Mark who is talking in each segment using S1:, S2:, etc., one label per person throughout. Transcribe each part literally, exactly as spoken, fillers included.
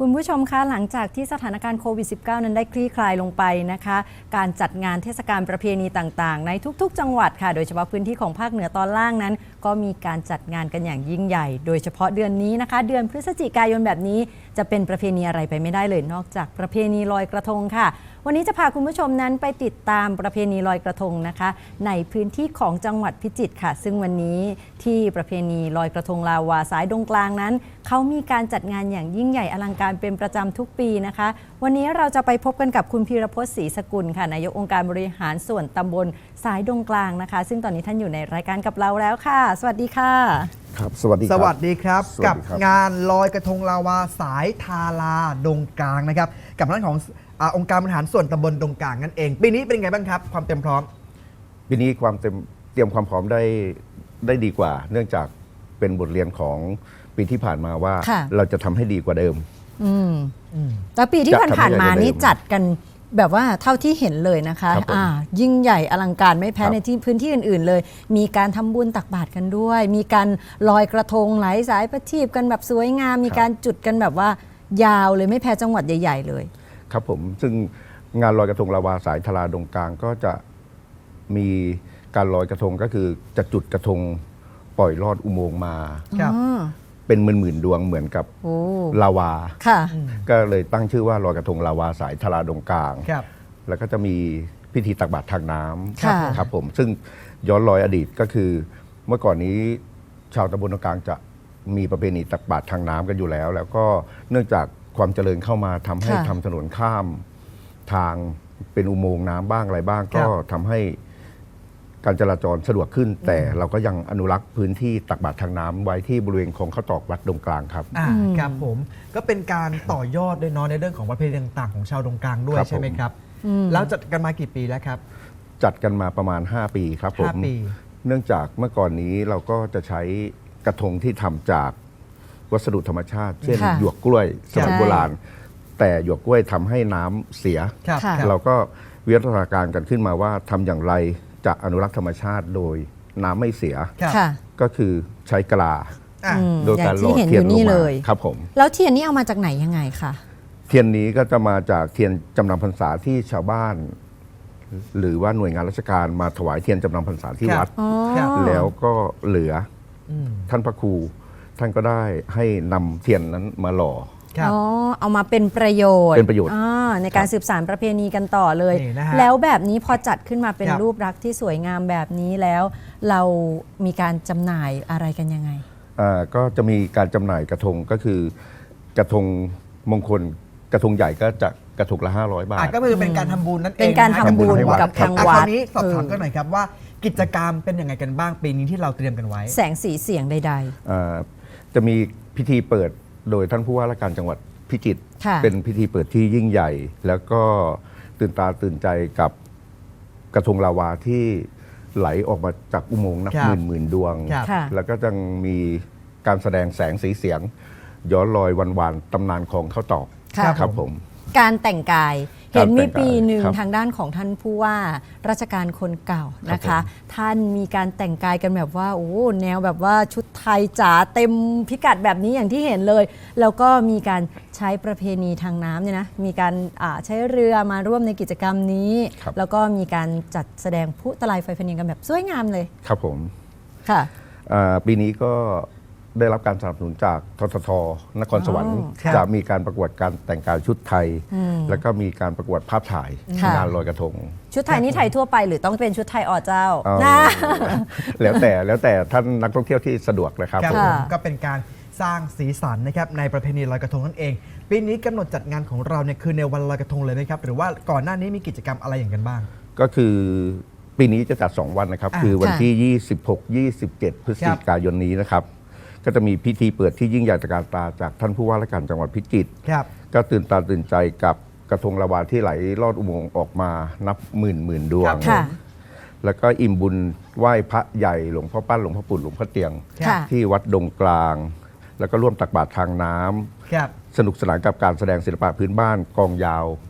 S1: คุณผู้ชมคะหลังจากที่สถานการณ์โควิด สิบเก้า นั้นได้คลี่คลายลงไปนะคะการจัดงานเทศกาลประเพณีต่างๆในทุกๆจังหวัดค่ะโดยเฉพาะพื้นที่ของภาคเหนือตอนล่างนั้นก็มีการจัดงานกันอย่างยิ่งใหญ่โดยเฉพาะเดือนนี้นะคะเดือนพฤศจิกายนแบบนี้จะเป็นประเพณีอะไรไปไม่ได้เลยนอกจากประเพณีลอยกระทงค่ะวันนี้จะพาคุณผู้ชมนั้นไปติดตามประเพณีลอยกระทงนะคะในพื้นที่ของจังหวัดพิจิตรค่ะซึ่งวันนี้ที่ประเพณีลอยกระทงลาวาสายดงกลางนั้นเขามีการจัดงานอย่างยิ่งใหญ่อลังการเป็นประจำทุกปีนะคะวันนี้เราจะไปพบกันกับคุณพีรพจน์ศรีสกุลค่ะนายกองค์การบริหารส่วนตำบลสายดงกลางนะคะซึ่งตอนนี้ท่านอยู่ในรายการกับเราแล้วค่ะสวัสดีค่ะ
S2: ครับสวัสดีครับ
S3: สวัสดีครับ
S2: กั
S3: กับงานลอยกระทงลาวาสายทาราดงกลางนะครับกับท่านของอองค์การบริหารส่วนตำบลดงกลางนั่นเองปีนี้เป็นไงบ้างครับความเต็มพร้อม
S2: ปีนี้ความเต็มเตรียมความพร้อมได้ได้ดีกว่าเนื่องจากเป็นบทเรียนของปีที่ผ่านมาว่าเราจะทำให้ดีกว่าเดิม
S1: อืมแล้วปีที่ผ่านๆมานี่จัดกันแบบว่าเท่าที่เห็นเลยนะคะอ่ายิ่งใหญ่อลังการไม่แพ้ในที่พื้นที่อื่นๆเลยมีการทำบุญตักบาตรกันด้วยมีการลอยกระทงไหลสายประทีปกันแบบสวยงามมีการจุดกันแบบว่ายาวเลยไม่แพ้จังหวัดใหญ่ๆเลย
S2: ครับผมซึ่งงานลอยกระทงลาวาสายทาราดงกลางก็จะมีการลอยกระทงก็คือจะจุดกระทงปล่อยลอดอุโมงค์มาเป็นหมื่นๆดวงเหมือนกับลาวาก็เลยตั้งชื่อว่าลอยกระทงลาวาสายทาราดงกลางแล้วก็จะมีพิธีตักบาตรทางน้ำครับผมซึ่งย้อนรอยอดีตก็คือเมื่อก่อนนี้ชาวตำบลดงกลางจะมีประเพณีตักบาตรทางน้ำกันอยู่แล้วแล้วก็เนื่องจากความเจริญเข้ามาทำให้ทำถนนข้ามทางเป็นอุโมงค์น้ำบ้างอะไรบ้างก็ทำให้การจราจรสะดวกขึ้นแต่เราก็ยังอนุรักษ์พื้นที่ตักบาตรทางน้ำไว้ที่บริเวณคลองข้าวตอกวัดดงกลางครับ
S3: อ่าครับผมก็เป็นการต่อยอดด้วยเนาะในเรื่องของประเพณีต่างๆของชาวดงกลางด้วยใช่ไหมครับแล้วจัดกันมากี่ปีแล้วครับ
S2: จัดกันมาประมาณห้าปีครับผมเนื่องจากเมื่อก่อนนี้เราก็จะใช้กระทงที่ทำจากวัสดุธรรมชาติเช่นหยวกกล้วยสมัยโบราณแต่หยวกกล้วยทำให้น้ำเสียเราก็วิวัฒนาการกันขึ้นมาว่าทำอย่างไรจะอนุรักษ์ธรรมชาติโดยน้ำไม่เสียก็คือใช้กะลาโดยการหล่อเทียนลงมาครับผม
S1: แล้วเทียนนี้เอามาจากไหนยังไงคะ
S2: เทียนนี้ก็จะมาจากเทียนจำนำพรรษาที่ชาวบ้านหรือว่าหน่วยงานราชการมาถวายเทียนจำนำพรรษาที่วัดแล้วก็เหลือท่านพระครูท่านก็ได้ให้นำเทียนนั้นมาหล่อ
S1: อ๋อเอามาเป็นประโยชน์
S2: เป็นประโยชน์
S1: ในการสืบสานประเพณีกันต่อเลยแล้วแบบนี้พอจัดขึ้นมาเป็นรูปลักษณ์ที่สวยงามแบบนี้แล้วเรามีการจำหน่ายอะไรกันยังไง
S2: อ่าก็จะมีการจำหน่ายกระทงก็คือกระทงมงคลกระทงใหญ่ก็จะกระทงละห้าร้อยบาท
S3: ก็คือเป็นการทำบุญนั่นเอง
S1: เป็นการทำบุญกับทางวัด
S3: คราวนี้สอบถามกันหน่อยครับว่ากิจกรรมเป็นยังไงกันบ้างปีนี้ที่เราเตรียมกันไว้
S1: แสงสีเสียงใด
S2: ๆจะมีพิธีเปิดโดยท่านผู้ว่าราชการจังหวัดพิจิตรเป็นพิธีเปิดที่ยิ่งใหญ่แล้วก็ตื่นตาตื่นใจกับกระทงลาวาที่ไหลออกมาจากอุโมงค์นับหมื่นหมื่นดวงแล้วก็ยังมีการแสดงแสงสีเสียงย้อนรอยวันวานตำนานของข้าวตอกครับผม
S1: การแต่งกายเห็นมีปีหนึ่งทางด้านของท่านผู้ว่าราชการคนเก่านะคะท่านมีการแต่งกายกันแบบว่าโอ้แนวแบบว่าชุดไทยจ๋าเต็มพิกัดแบบนี้อย่างที่เห็นเลยแล้วก็มีการใช้ประเพณีทางน้ำเนี่ยนะมีการใช้เรือมาร่วมในกิจกรรมนี้แล้วก็มีการจัดแสดงพลุตะไลไฟพะเนียงกันแบบสวยงามเลย
S2: ครับผม
S1: ค่ะ
S2: ปีนี้ก็ได้รับการสนับสนุนจากททท.นครสวรรค์จะมีการประกวดการแต่งกายชุดไทยแล้วก็มีการประกวดภาพถ่ายงานลอยกระทง
S1: ชุดไทยนี่ไทยทั่วไปหรือต้องเป็นชุดไทยอ๋อเจ้า
S2: แล้วแต่แล้วแต่ท่านนักท่องเที่ยวที่สะดวกเลยครับ
S3: ก็เป็นการสร้างสีสันนะครับในประเพณีลอยกระทงนั่นเองปีนี้กำหนดจัดงานของเราเนี่ยคือในวันลอยกระทงเลยไหมครับหรือว่าก่อนหน้านี้มีกิจกรรมอะไรอย่างกันบ้าง
S2: ก็คือปีนี้จะจัดสองวันนะครับคือวันที่ยี่สิบหก ยี่สิบเจ็ดพฤศจิกายนนี้นะครับก็จะมีพิธีเปิดที่ยิ่งใหญ่ตระการตาจากท่านผู้ว่าราชการจังหวัดพิจิตรก็ตื่นตาตื่นใจกับกระทงลาวาที่ไหลลอดอุโมงค์ออกมานับหมื่นหมื่นดวงแล้วก็อิ่มบุญไหว้พระใหญ่หลวงพ่อปั้นหลวงพ่อปู่หลวงพ่อเตียงที่วัดดงกลางแล้วก็ร่วมตักบาตรทางน้ำสนุกสนานกับการแสดงศิลปะพื้นบ้านกองยาวพ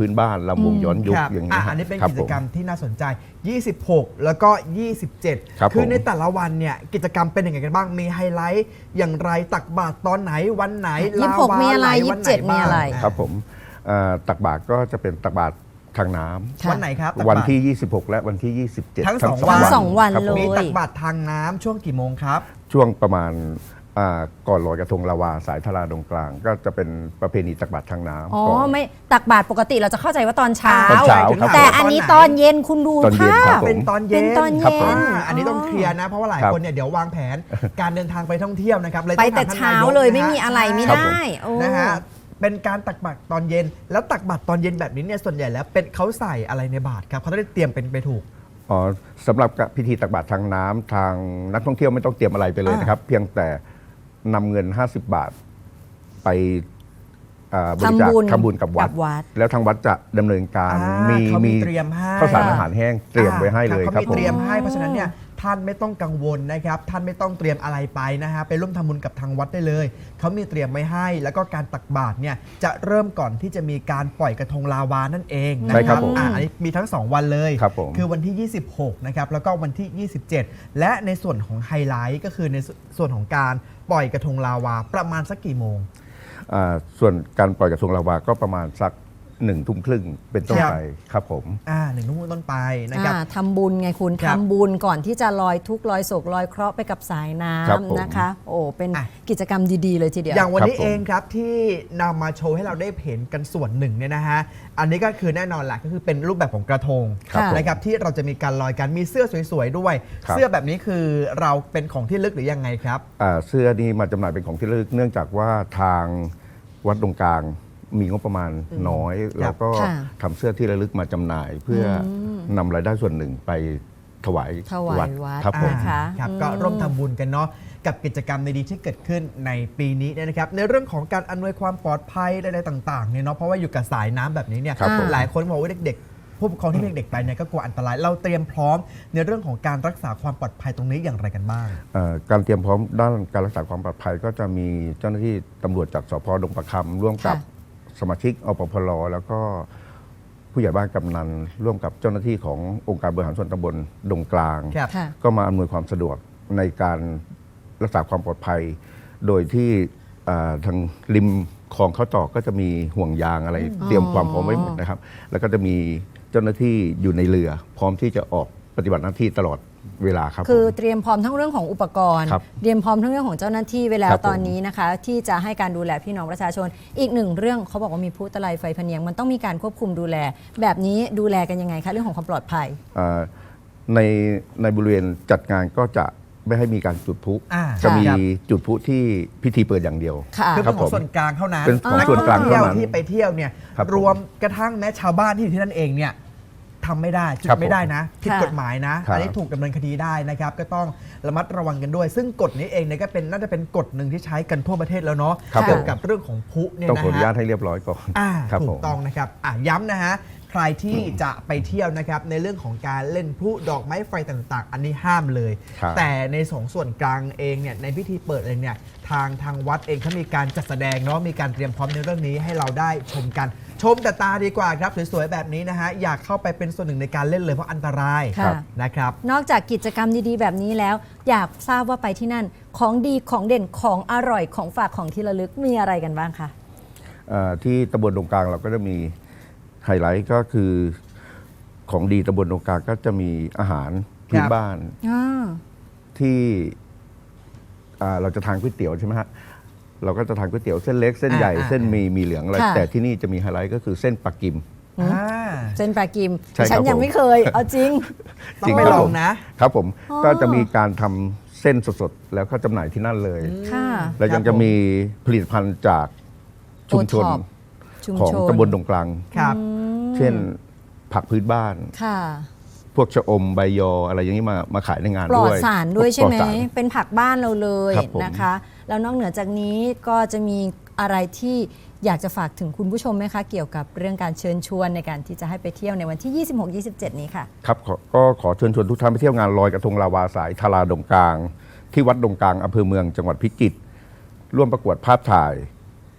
S2: พื้นบ้านลำวงย้อนยุค
S3: ครับ
S2: อย่าง
S3: อ่ะ
S2: นี้ฮะ
S3: อันนี้เป็น
S2: ครับ
S3: กิจกรรม
S2: ผม
S3: ที่น่าสนใจ ยี่สิบหก แล้วก็ ยี่สิบเจ็ด
S2: ครับ
S3: คือ
S2: ผม
S3: ในแต่ละวันเนี่ยกิจกรรมเป็นยังไงกันบ้าง มีไฮไลท์อย่างไรตักบาตรตอนไหนวันไหน
S1: ยี่สิบหก
S3: ลาวา
S1: มีอะไร
S3: หล
S1: ยี่สิบเจ็ด
S3: วันหน
S1: มีอะไร
S3: บ้าง
S2: ครับผมเอ่อตักบาตรก็จะเป็นตักบาตรทางน้ำ
S1: ค่ะ
S3: วันไหนครับตักบาตร
S2: วันที่ ยี่สิบหก และวันที่ ยี่สิบเจ็ด
S3: ทั้งสอง
S1: วันทั้งสองวัน
S2: ครับผม
S1: เลย
S3: มีตักบาตรทางน้ำช่วงกี่โมงครับ
S2: ช่วงประมาณอ่าก่อนลอยกระทงลาวาสายทาราดงกลาง ก็จะเป็นประเพณีตักบาตรทางน้ำ
S1: อ๋อ
S2: ก่อน
S1: ไม่ตักบาตรปกติเราจะเข้าใจว่าตอนเช้า
S2: ตอนเช้าครับ
S1: แต่อันนี้ตอนเย็นคุณดู
S2: ตอนเย็น
S1: ภา
S2: ครั
S1: พ
S2: บผม
S3: เป็นตอนเย็น
S1: เป็นตอนเย็น
S2: ครับผม
S3: อ่าอันนี้ต้องเคลียร์นะ เพราะว่าหลาย
S2: ครับ
S3: คนเนี่ยเดี๋ยววางแผนการเดินทางไปท่องเที่ยวนะครับเลย
S1: ไป
S3: อง
S1: แต่
S3: ถมท่น
S1: เช้าน
S3: ยก
S1: เลย
S3: นะฮะ
S1: ไม่มีอะไรไม่
S2: ครับ
S1: ได้
S2: ผม
S1: โอ้
S3: นะฮะเป็นการตักบาตรตอนเย็น แล้วตักบาตรตอนเย็นแบบนี้เนี่ยส่วนใหญ่แล้วเป็นเขาใส่อะไรในบาตรครับเขาต้องได้เตรียมเป็นไปถูก
S2: อ๋อสำหรับพิธีตักบาตรทางน้ำทางนักท่องเที่ยวไม่ต้องเตรียมอะไรไปเลย
S3: อ่าน
S2: นะครับ เพียงแต่นำเงิน ห้าสิบบาท ไปอ่าบริจาค
S1: ทำบุญ
S2: ทำบุญกับวัด
S1: กับวัด
S2: แล้วทางวัดจะดำเนินการ
S3: อ่าเขามีเตรียมให้
S2: ข้าวสารอาหารแห้งเตรียมไว้ให้เลย
S3: เขา
S2: ครับ
S3: มี
S2: ผม
S3: เตรียมให้เพราะฉะนั้นเนี่ยท่านไม่ต้องกังวลนะครับท่านไม่ต้องเตรียมอะไรไปนะฮะไปร่วมทำบุญกับทางวัดได้เลยเขามีเตรียมไว้ให้ แล้วก็การตักบาตรเนี่ยจะเริ่มก่อนที่จะมีการปล่อยกระทงลาวานั่นเองนะ
S2: ใช่
S3: ค
S2: ครั
S3: รับบ
S2: ผม
S3: อ่าอันนี้มีทั้งสองวันเลย
S2: ครับผม
S3: คือวันที่ ยี่สิบหก นะครับแล้วก็วันที่ ยี่สิบเจ็ด และในส่วนของไฮไลท์ก็คือในส่วนของการปล่อยกระทงลาวาประมาณสักกี่โมง
S2: อ่าส่วนการปล่อยกระทงลาวาก็ประมาณสักหนึ่งทุ่มครึ่งเป็นต้น
S3: ครับ
S2: ไปครับผม
S3: อ่าหนึ่งทุ่มต้นไปนะครับ
S1: อ่าทำบุญไงคุณ
S3: ครับ
S1: ทำบุญก่อนที่จะลอยทุกข์ลอยโศกลอยเคราะห์ไปกับสายน้
S2: ครับผม
S1: ำนะคะ โอ้เป็น
S3: อ่ะ
S1: กิจกรรมดีๆเลยทีเดียว
S3: อย่างวันนี้
S2: ครับผม
S3: เองครับที่นำมาโชว์ให้เราได้เห็นกันส่วนหนึ่งเนี่ยนะฮะอันนี้ก็คือแน่นอนแหละก็คือเป็นรูปแบบของกระทง
S1: ครับผม
S3: นะครับที่เราจะมีการลอยกันมีเสื้อสวยๆด้วย
S2: ครับ
S3: เสื้อแบบนี้คือเราเป็นของที่ระลึกหรือยังไงครับ
S2: อ่าเสื้อนี้มาจำหน่ายเป็นของที่ระลึกเนื่องจากว่าทางวัดดงกลางมีงบประมาณน้อย แล้วก็
S1: ค่ะ
S2: ทำเสื้อที่ระลึกมาจำหน่าย เพื่อนำรายได้ส่วนหนึ่งไปถวาย
S1: ถวายวัด
S2: ครับผม
S1: นะคะ
S3: ครับ
S1: อืม
S3: ก็ร่วมทำบุญกันเนาะกับกิจกรรมดีๆที่เกิดขึ้นในปีนี้เนี่ยนะครับในเรื่องของการอำนวยความปลอดภัยอะไรต่างๆเนี่ยเนาะเพราะว่าอยู่กับสายน้ำแบบนี้เนี่ย
S2: ครับผม
S3: หลายคนบอกว่าเด็กๆผู้ปกครองที่มีเด็กๆไปเนี่ยก็กลัวอันตรายเราเตรียมพร้อมในเรื่องของการรักษาความปลอดภัยตรงนี้อย่างไรกันบ้าง
S2: เอ่อการเตรียมพร้อมด้านการรักษาความปลอดภัย ก็จะมีเจ้าหน้าที่ตำรวจจากสพดงประคำร่วมกับ
S1: ค่ะ
S2: สมาชิกอปพลแล้วก็ผู้ใหญ่บ้านกำนันร่วมกับเจ้าหน้าที่ขององค์การบริหารส่วนตำบลดงกลาง
S3: ครับ
S1: ค่ะ
S2: ก็มาอำนวยความสะดวกในการรักษาความปลอดภัย โดยที่อ่าทางริมคลองเขาจอกก็จะมีห่วงยางอะไรเตรียมความพร้อมไว้หมดนะครับ แล้วก็จะมีเจ้าหน้าที่อยู่ในเรือ พร้อมที่จะออกปฏิบัติหน้าที่ตลอดเวลาครับ
S1: คือ
S2: ผม
S1: เตรียมพร้อมทั้งเรื่องของอุปกรณ์
S2: ครับ
S1: เตรียมพร้อมทั้งเรื่องของเจ้าหน้าที่ไว้แล้
S2: คว รับผม
S1: ตอนนี้นะคะ ที่จะให้การดูแลพี่น้องประชาชน อีกหนึ่งเรื่องเขาบอกว่ามีผู้ตะไลไฟพะเนียงมันต้องมีการควบคุมดูแล แบบนี้ดูแลกันยังไงคะเรื่องของความปลอดภัย
S2: อ่าในในบริเวณจัดงานก็จะไม่ให้มีการจุดพลุ
S3: อ่า
S2: จะมี
S3: ครับ
S2: จุดพลุที่พิธีเปิดอย่างเดียว
S1: ค่ะ
S3: คือ
S2: ครั
S3: เป็น
S2: บ
S3: ขอ
S2: ผ
S3: ง
S2: ม
S3: ส่วนกลางเท่านั้น
S2: เป็นของส่วนกลางเท่านั้น
S3: ที่ไปเที่ยวเนี่ย
S2: ครับผม
S3: รวมกระทั่งแม้ชาวบ้านที่อยู่ที่นั่นเองเนี่ยทำไม่ได้จุด
S2: ครับ
S3: ไม่ได้นะผิด
S1: ค่ะ
S3: กฎหมายนะ
S2: ครับ
S3: อันนี้ถูกดำเนินคดีได้นะครับก็ต้องระมัดระวังกันด้วย ซึ่งกฎนี้เองเนี่ยก็เป็นน่าจะเป็นกฎหนึ่งที่ใช้กันทั่วประเทศแล้วเนาะ
S2: ครับ
S3: เกี่ยว
S2: ผม
S3: กับเรื่องของพลุเนี่ย
S2: ต้อง
S3: นะ
S2: ขออนุญาต
S3: ฮะ
S2: ให้เรียบร้อยก่อน
S3: อ่า
S2: ครับ
S3: ถู
S2: ผ
S3: ก
S2: ม
S3: ต้องนะครับอ่ะย้ำนะฮะใครที่จะไปเที่ยวนะครับในเรื่องของการเล่นพลุดอกไม้ไฟต่างๆ อันนี้ห้ามเลย
S2: ครับ
S3: แต่ในสองส่วนกลางเองเนี่ยในพิธีเปิดเองเนี่ยทางทางวัดเองเขามีการจัดแสดงเนาะมีการเตรียมพร้อมในเรื่องนี้ให้เราได้ชมกัน ชมแต่ตาดีกว่าครับสวยๆแบบนี้นะฮะอยากเข้าไปเป็นส่วนหนึ่งในการเล่นเลยเพราะอันตราย
S1: ค่ะ
S3: นะครับ
S1: นอกจากกิจกรรมดีๆ แบบนี้แล้ว อยากทราบว่าไปที่นั่นของดีของเด่นของอร่อยของฝากของที่ระลึกมีอะไรกันบ้างคะ
S2: เอ่อที่ตำบลดงกลางเราก็จะมีไฮไลท์ก็คือของดีตำบลดงกลางก็จะมีอาหารพื้น
S3: ครับ
S2: บ้าน
S1: อ่า
S2: ที่อ่าเราจะทานก๋วยเตี๋ยวใช่ไหมฮะเราก็จะทานก๋วยเตี๋ยวเส้นเล็กเส้นใหญ่
S3: อ่า
S2: เส้นมีมีเหลืองอะไร
S1: ค่ะ
S2: แต่ที่นี่จะมีไฮไลท์ก็คือเส้นปักกิม
S3: อ่า
S1: เส้นปลากิม
S2: ใช่ครับ
S1: ฉันยัง
S2: ผม
S1: ไม่เคย เอาจริง
S3: ต้อ
S2: จริ
S3: ง
S2: ง
S3: ไป
S2: ครับ
S3: ลอ
S2: ผ
S3: ง
S2: ม
S3: นะ
S2: ครับผม
S1: อ๋อ
S2: ก็จะมีการทำเส้นสดๆแล้วก็จำหน่ายที่นั่นเลย
S1: ค่ะ
S2: แล้วยังจะมีผลิตภัณฑ์จากชุมชน
S1: โอท็อป ชุม
S2: ของ
S1: ชน
S2: ตำบลดงกลาง
S3: ครับ
S2: เช่นผักพื้นบ้าน
S1: ค่ะ
S2: พวกชะอมใบยออะไรอย่างนี้มามาขายในงาน
S1: ปลอ
S2: ด้
S1: ด
S2: วย
S1: สารด้วยใช่ไหม
S2: ปลอสาร
S1: เป็นผักบ้านเราเลย
S2: ครับผม
S1: นะคะ แล้วนอกเหนือจากนี้ก็จะมีอะไรที่อยากจะฝากถึงคุณผู้ชมไหมคะ เกี่ยวกับเรื่องการเชิญชวนในการที่จะให้ไปเที่ยวในวันที่ ยี่สิบหก ยี่สิบเจ็ด นี้ค่ะ
S2: ครับขอก็ขอเชิญชวนทุกท่านไปเที่ยวงานลอยกระทงลาวาสายทาราดงกลาง ที่วัดดงกลางอำเภอเมืองจังหวัดพิจิตรร่วมประกวดภาพถ่าย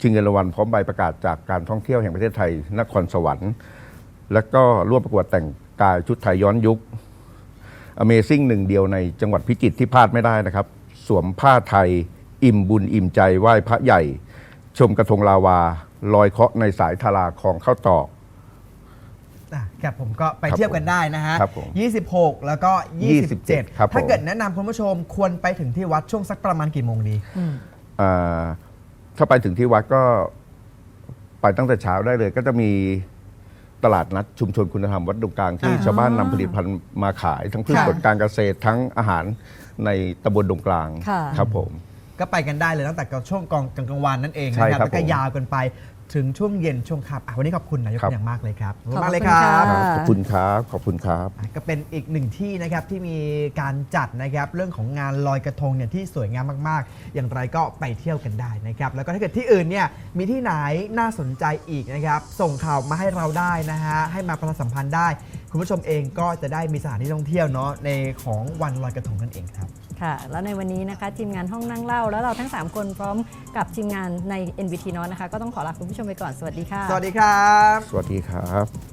S2: ชิงเงินรางวัลพร้อมใบประกาศจากการท่องเที่ยวแห่งประเทศไทยนครสวรรค์ และก็ร่วมประกวดแต่งกายชุดไทยย้อนยุค Amazing หนึ่งเดียวในจังหวัดพิจิตรที่พลาดไม่ได้นะครับ สวมผ้าไทย อิ่มบุญอิ่มใจไหว้พระใหญ่ ชมกระทงลาวาลอยเคราะห์ในสายทาราคลองข้าวตอก
S3: อ่ะครับผมก็ไป
S2: ครับ
S3: เที่ยวกันได้นะฮะ
S2: ครับผม
S3: ยี่สิบหก แล้วก็ ยี่สิบเจ็ด
S2: ครับผม
S3: ถ้าเกิดแนะนำคุณผู้ชมควรไปถึงที่วัดช่วงสักประมาณกี่โมงดี
S2: อ่าถ้าไปถึงที่วัดก็ไปตั้งแต่เช้าได้เลย ก็จะมีตลาดนัดชุมชนคุณธรรมวัดดงกลางที่
S3: อ่า
S2: ชาวบ้านนำผลิตภัณฑ์มาขาย ทั้งพืช
S3: ค่ะ
S2: ผลการเกษตรทั้งอาหารในตำบลดงกลาง
S1: ค่ะ
S2: ครับผม
S3: ก็ไปกันได้เลยตั้งแต่ช่วงกองกลางวันนั่นเอง
S2: ใช่
S3: นะครับ
S2: ครับ
S3: แล้วก็
S2: ผม
S3: ยาวกันไปถึงช่วงเย็นช่วงค่ำอ่ะวันนี้ขอบคุณนายก
S2: ครับ
S3: เป็นอย่างมากเลยครับขอบคุณ
S1: ขอบ
S3: มากเลย
S1: คุณ
S3: ครับ
S1: ค่ะ
S2: ขอบคุณครับ ขอบคุณครับ
S3: อ่ะก็เป็นอีกหนึ่งที่นะครับที่มีการจัดนะครับเรื่องของงานลอยกระทงเนี่ยที่สวยงามมากๆ อย่างไรก็ไปเที่ยวกันได้นะครับแล้วก็ถ้าเกิดที่อื่นเนี่ยมีที่ไหนน่าสนใจอีกนะครับส่งข่าวมาให้เราได้นะฮะให้มาประชาสัมพันธ์ได้ คุณผู้ชมเองก็จะได้มีสถานที่ท่องเที่ยวเนาะในของวันลอยกระทงนั่นเองครับ
S1: ค่ะ แล้วในวันนี้นะคะทีมงานห้องนั่งเล่าแล้วเราทั้งสามคนพร้อมกับทีมงานใน เอ็น วี ที North นะคะก็ต้องขอลาคุณผู้ชมไปก่อนสวัสดีค่ะ
S3: สวัสดีครับ
S2: สวัสดีครับ